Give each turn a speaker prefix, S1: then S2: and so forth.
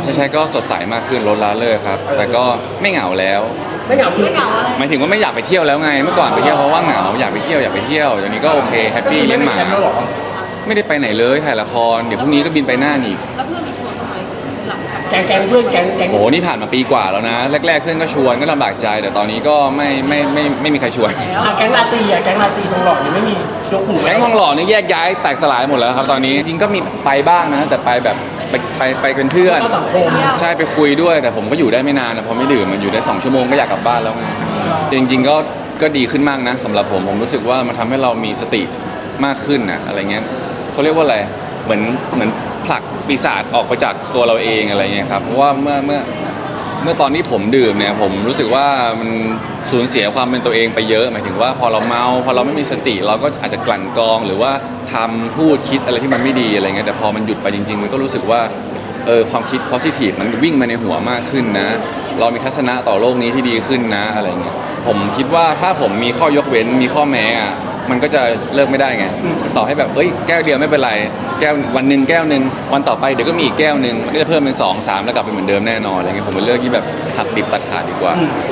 S1: ใช่ก็สดใสมากขึ้นลดละเลยครับแต่ก็ไม่เหงาแล้ว
S2: ไม่เหงาคือ
S3: ไม่เหงาอะไร
S1: หมายถึงว่าไม่อยากไปเที่ยวแล้วไงเมื่อก่อนไปเที่ยวเพราะว่าเหงาอยากไปเที่ยวตอนนี้ก็โอเคแฮปปี้เลี้ยงหมา
S2: แล้วหรอ
S1: ไม่ได้ไปไหนเลยถ่ายละครเดี๋ยวพรุ่งนี้ก็บินไปน่านอีก
S3: แล้วเพื่อนมีชวนทำไมหลังจาก
S2: แกงเพื่อนแกง
S1: โอ้โหนี่ผ่านมาปีกว่าแล้วนะแรกๆเพื่อนก็ชวนก็ลำบากใจแต่ตอนนี้ก็ไม่มีใครชวน
S2: แกงลาตีแกงลาตีทองหล่อยังไม่มียกหู
S1: แก๊งทองหล่อนี่แยกย้ายแตกสลายหมดแล้วครับตอนนี้จริงๆก็มีไปบ้างนะแต่ไปแบบไปเป็นเพื่อน
S2: เข้าสังคม
S1: ใช่ไปคุยด้วยแต่ผมก็อยู่ได้ไม่นานนะพอไม่ดื่มมันอยู่ได้2 ชั่วโมงก็อยากกลับบ้านแล้วไงจริงๆก็ดีขึ้นมากนะสำหรับผมรู้สึกว่ามันทำให้เรามีสติมากขึ้นนะอะไรเงี้ยเขาเรียกว่าอะไรเหมือนผลักปีศาจออกไปจากตัวเราเองอะไรเงี้ยครับเพราะว่าเมื่อตอนที่ผมดื่มเนี่ยผมรู้สึกว่ามันสูญเสียความเป็นตัวเองไปเยอะหมายถึงว่าพอเราเมาพอเราไม่มีสติเราก็อาจจะกลั่นกรองหรือว่าทำพูดคิดอะไรที่มันไม่ดีอะไรเงี้ยแต่พอมันหยุดไปจริงๆมันก็รู้สึกว่าความคิด positive มันวิ่งมาในหัวมากขึ้นนะเรามีทัศนะต่อโลกนี้ที่ดีขึ้นนะอะไรเงี้ยผมคิดว่าถ้าผมมีข้อยกเว้นมีข้อแม้อะมันก็จะเลิกไม่ได้ไงต่อให้แบบแก้วเดียวไม่เป็นไรแก้ววันหนึ่งแก้วหนึ่งวันต่อไปเดี๋ยวก็มีอีกแก้วหนึ่งมันก็จะเพิ่มเป็น2-3แล้วกลับไปเหมือนเดิมแน่นอนอะไรเงี้ยผมเป็นเลือกที่แบบหักดิบตัดขาดดีกว่า